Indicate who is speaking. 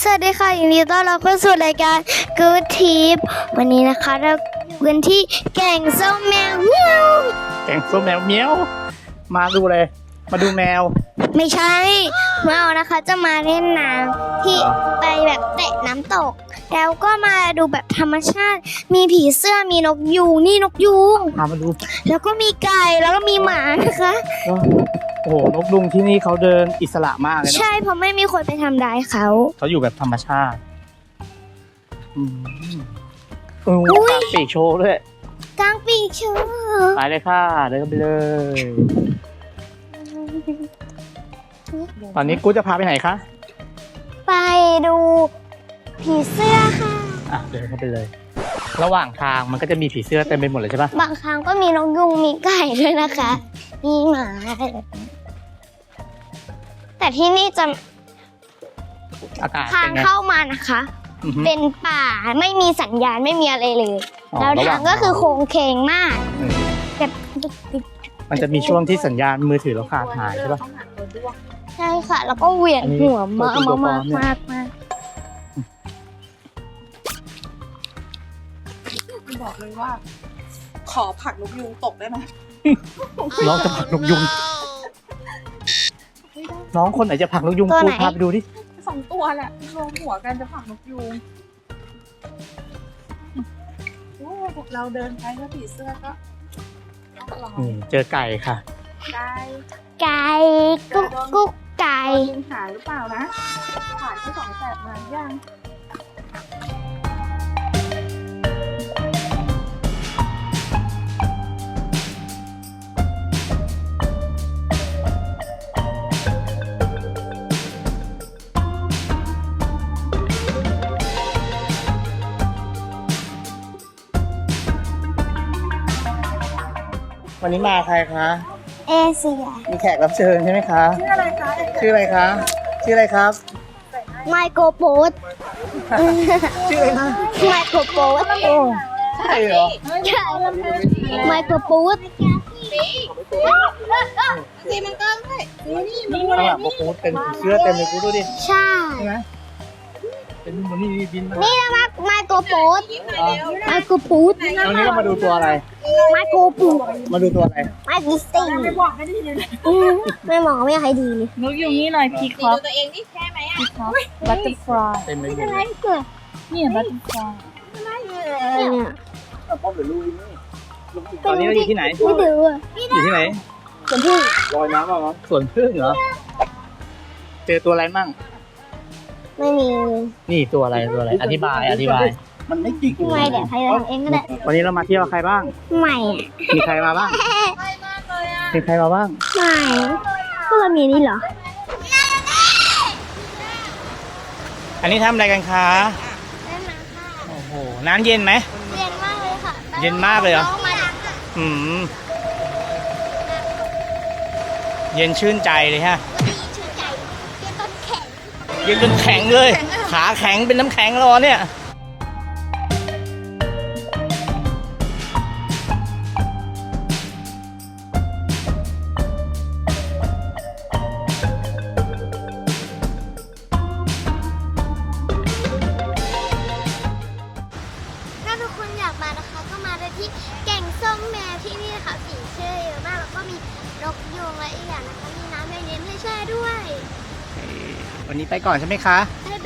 Speaker 1: วัสดีค่ะยินดีต้อนรับเข้าสู่รายการ Good Tip วันนี้นะคะเราอยู่กันที่แก่งส้มแมวเมียว
Speaker 2: แกงส้มแมวเมี้ยวมาดูเลย มาดูแมว
Speaker 1: ไม่ใช่แมวนะคะจะมาเล่นน้ำที่ไปแบบเตะน้ำตก แล้วก็มาดูแบบธรรมชาติ มีผีเสื้อมีนกยูงนี่นกยูง
Speaker 2: พามาดู
Speaker 1: แล้วก็มีไก่แล้วก็มีหมานะคะ
Speaker 2: โอ้โหนกยุงที่นี่เขาเดินอิสระมากเลยนะ
Speaker 1: ใช่เพราะไม่มีคนไปทำร้ายเขา
Speaker 2: เขาอยู่แบบธรรมชาติอืมปากปีกโชว์ด้วย
Speaker 1: กลางปีกเชื่อ
Speaker 2: ไปเลยค่ะเดินไปเลย ตอนนี้กูจะพาไปไหนคะ
Speaker 1: ไปดูผีเสื้อค่ะ
Speaker 2: อ่ะเดินเข้าไปเลย ระหว่างทางมันก็จะมีผีเสื้อเต็มไปหมดเลยใช่ปะ
Speaker 1: บางครั้งก็มีนกยุงมีไก่ด้วยนะคะ มีหมาแต่ที่นี่จะ
Speaker 2: อากาศ
Speaker 1: ทา
Speaker 2: เป็
Speaker 1: ง
Speaker 2: นไง
Speaker 1: เข้ามานะคะ
Speaker 2: อือฮึ
Speaker 1: เป็นป่าไม่มีสัญญาณไม่มีอะไรเลย
Speaker 2: อ๋อ
Speaker 1: แล้ว
Speaker 2: ระห
Speaker 1: ทา
Speaker 2: ว่าง ง
Speaker 1: ก็คือโค้งเคงมาก
Speaker 2: อืม
Speaker 1: แบบ
Speaker 2: มันจะมีช่วงที่สัญญาณมือถือเราขาดหายใช่ปะ
Speaker 1: ใช่ค่ะ แล้วก็เหวี่ยงหัวมาก
Speaker 2: อันนี้ตัวปลอ
Speaker 1: มาม ก
Speaker 2: เนี่ย
Speaker 1: มากมาก
Speaker 3: บอกเลยว่า ขอผักนกยูงตกได้ไหม
Speaker 2: น้องจะผลักนกยุง น้องคนไหนจะผลักนกยุง
Speaker 1: ตัว
Speaker 2: กู
Speaker 1: ไหน
Speaker 2: พาไปดูดิ
Speaker 3: 2 ตัวแหละรวมหัวกันจะผักนกยูงโอ้เราเดินไปก็ผีเสื้อก็ต้องรอ
Speaker 2: นี่เจอไก่ค่ะ
Speaker 3: ได้
Speaker 1: ไก่กุ๊กกุ๊กไก่
Speaker 3: ลิงหายหรือเปล่านะผ่านที่2 แสบมายัง
Speaker 2: วันนี้มาใครคะ
Speaker 1: เอเชีย
Speaker 2: มีแขกรับเชิญใช่ไหมคะ
Speaker 3: ชื่ออะไรคะ
Speaker 2: ชื่ออะไรคะ ชื่ออะไรครับ
Speaker 1: ไมโครโพส
Speaker 2: ชื่ออะไรคะ
Speaker 1: ไมโครโพส
Speaker 2: โอ้ใช่เหรอ
Speaker 1: ใช่ไมโครโพส
Speaker 3: สีมันก็ได้นี่มี
Speaker 2: ข้างหลังบอกโอ้เป็นผีเสื้อเต็มเลยกูดูดิ
Speaker 1: ใช่
Speaker 2: ใช่ไหมเป็นมันนี่บินมา
Speaker 1: นี่นะไมโครโพส
Speaker 2: อ๋อ
Speaker 1: ไมโครโพส
Speaker 2: วันนี้เรามาดูตัวอะไร
Speaker 1: ไมโครโพส
Speaker 2: มาดูตัวอะไร
Speaker 1: ไมดิสตี้
Speaker 3: ไม่บอกไม่ได้ยินเลย
Speaker 1: ไม่มองไม่อยากให้ดีเลย
Speaker 3: นกยูงนี่หน่อยพีคอปตัวเองนี่แค่ไหมอ่ะพีคอปบัตเตอร์ฟลาย
Speaker 2: เต็มไปหมด
Speaker 1: อะไร
Speaker 2: เลย
Speaker 1: เกิด
Speaker 3: นี่บัตเตอร์ฟลาย
Speaker 1: เนี่ย
Speaker 2: พ่อหรือลูกนี่ตอนนี้เราอยู่ที่ไหน
Speaker 1: ไม่ดูอ่ะ
Speaker 2: อยู่ที่ไหน
Speaker 1: สวนพึ่ง
Speaker 2: ลอยน้ำมาสวนพึ่งเหรอ เจอตัวอะไรมั่ง
Speaker 1: ไม่มี
Speaker 2: นี่ตัวอะไรตัวอะไร อธิบาย มันไม่จริง
Speaker 1: ไม่เดี๋ยวใครจะทำเองก็ได้
Speaker 2: วันนี้เรามาเที่ยวกับใครบ้าง
Speaker 1: ไม่
Speaker 2: มีใครมาบ้าง มีใครมาบ้าง
Speaker 1: ไม่ก็เรามีนี่เหรอ
Speaker 2: อันนี้ทำอะไรกันคะ
Speaker 1: เล่นน้ำค่ะ
Speaker 2: โอ้โห น้ำเย็นไหม
Speaker 1: เย็นมากเลยค่ะ
Speaker 2: เย็นมากเลยเหรอ
Speaker 1: น้องมาดักค่ะ
Speaker 2: อืม เย็นชื่นใจเลยฮะ
Speaker 1: มีชื่อใจเย็นต้นแข็ง
Speaker 2: เย็นจนแข็งเลย ขาแข็งเป็นน้ำแข็งรอเนี่ย
Speaker 1: ถ้าทุกคนอยากมานะคะก็มาได้ที่แก่งส้มแมวที่นี่นะคะผีเชื่อเยอะมากแล้วก็มีนกยูงและอีกอย่างนะคะมีน้ำเย็นๆให้แช่ด้วย
Speaker 2: วันนี้ไปก่อนใช่ไหมคะ
Speaker 1: บ๊าย